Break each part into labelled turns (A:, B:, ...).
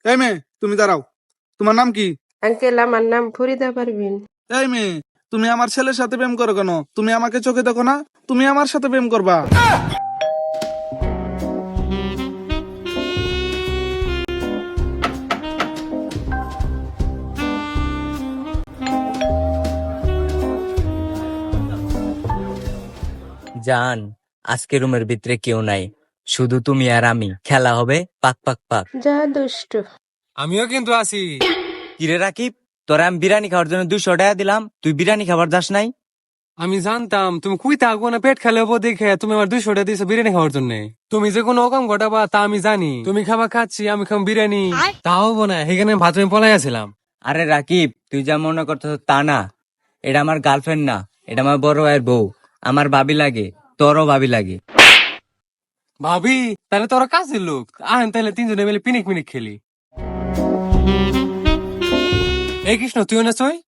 A: এই মেয়ে, তুমি দাঁড়াও। তোমার নাম কি?
B: আঙ্কেল, আমার নাম ফরিদা পারভিন।
A: এই মেয়ে, তুমি আমার ছেলের সাথে প্রেম করো কেন? তুমি আমাকে চোখে দেখো না? তুমি আমার সাথে প্রেম করবা?
C: জান, আজকে রুমের ভিতরে কেউ নাই, শুধু তুমি আর আমি। খেলা হবে পাক পাক পাক।
B: যা দুষ্ট।
D: আমিও কিন্তু আছি।
C: কিরে রাকিব, তোরা আমি বিরিয়ানি খাওয়ার জন্য 200 টাকা দিলাম, তুই বিরিয়ানি খাবার যাস নাই?
D: আমি জানতাম তুমি কুই থাকবো না, পেট খেলে হবো দেখে তুমি আমার 200 টাকা দিয়েছো বিরিয়ানি খাওয়ার জন্য। তুমি যে কোনো অকাম ঘটাবা তা আমি জানি। তুমি খাবার খাচ্ছি, আমি খাম বিরিয়ানি, তা হবো না। সেখানে ভাত আমি পলাই আসছিলাম।
C: আরে রাকিব, তুই যা মনে করতেছ তা না। এটা আমার গার্লফ্রেন্ড না, এটা আমার বড় ভাইয়ের বউ। আমার ভাবি লাগে, তোরও ভাবি লাগে।
D: ভাবি, তাহলে তোরা কাজের লোক। আহেন তাহলে তিনজনে মিলে পিনিক মিনিক খেলি। এই কৃষ্ণ, তুইও না চই?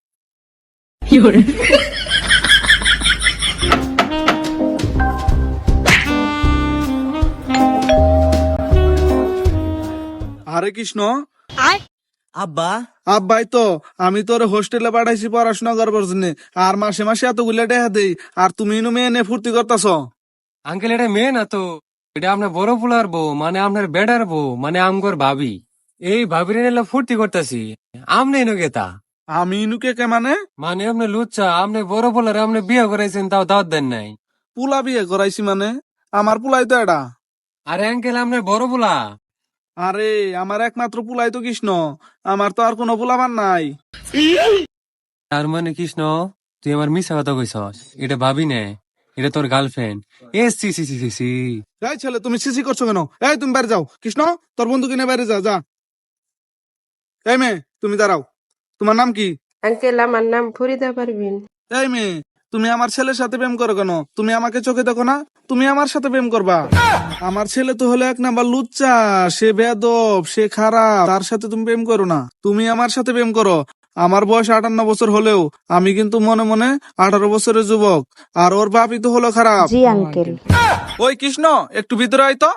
A: আরে কৃষ্ণ,
C: আব্বা,
A: আব্বাই তো আমি তোর হোস্টেলে পাঠাইছি পড়াশোনা করবার জন্য, আর মাসে মাসে এতগুলা টাকা দেই, আর তুমি মেয়ে নে ফুর্তি করতেছ।
D: আঙ্কেল, এটা মেয়ে না তো, এটা আপনার বড় পোলার বউ, মানে আপনার বেডার বউ, মানে আমগর ভাবি। এই ভাবির এনে ফুর্তি করতেছি। আমনে এনো গেতা,
A: আমি ইনুকে কে মানে?
D: মানে আপনি লুচ্চা, আপনি বড় পোলারে আপনি বিয়ে করাইছেন, তাও দাওয়াত দেন নাই।
A: পুলা বিয়ে করাইছি মানে? আমার পুলাই তো এটা।
D: আরে আঙ্কেল, আপনার বড় পোলা।
A: আরে আমার একমাত্র পুলাই তো কৃষ্ণ, আমার তো আর কোনো পুলাবার নাই।
D: তার মানে কৃষ্ণ, তুই আমার মিশা কথা কইছস। এটা ভাবি নে, এটা তোর গার্লফ্রেন্ড। এ সি সি সি সি সি।
A: এই ছেলে, তুমি সিসি করছো কেন? এই তুমি বাইরে যাও। কৃষ্ণ, তোর বন্ধুকে নিয়ে বাইরে যা যা। এই মেয়ে, তুমি দাঁড়াও। তোমার নাম কি?
B: আঙ্কেল, আমার নাম ফরিদা পারভিন।
A: এই মেয়ে, তুমি আমার ছেলের সাথে প্রেম করো কেন? তুমি আমাকে চোখে দেখো না? তুমি আমার সাথে প্রেম করবা? আমার ছেলে তো হলো 1 নাম্বার লুচ্চা, সে বেয়াদব, সে খারাপ, তার সাথে তুমি প্রেম করো না। তুমি আমার সাথে প্রেম করো। আমার বয়স 58 বছর হলেও আমি কিন্তু মনে মনে 18 বছরের যুবক, আর ওর বাপই তো হলো খারাপ।
B: জি আঙ্কেল।
A: ওই কৃষ্ণ, একটু ভিতরে আয় তো।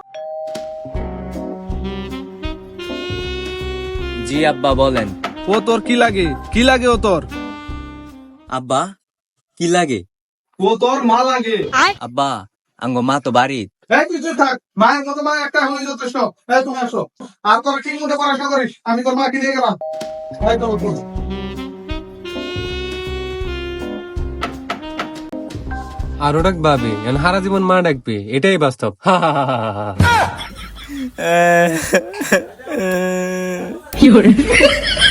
C: জি আব্বা বলেন।
A: ও তোর কি লাগে? কি লাগে ও তোর?
C: আব্বা, কি লাগে?
A: ও তোর মা লাগে।
C: আব্বা, আঙ্গ মা তো বাড়ি।
A: এই কিছু থাক, মায়ের মতো মা একটা হয়ে যথেষ্ট। এই তুমি আসো, আর তোর ঠিক মতো পড়াশোনা করিস, আমি তোর মাকে নিয়ে গেলাম। এই তো বন্ধু।
D: আরো ডাকবে, হারা জীবন মা ডাকবে, এটাই বাস্তব। হা হা হা হা হা।
C: কি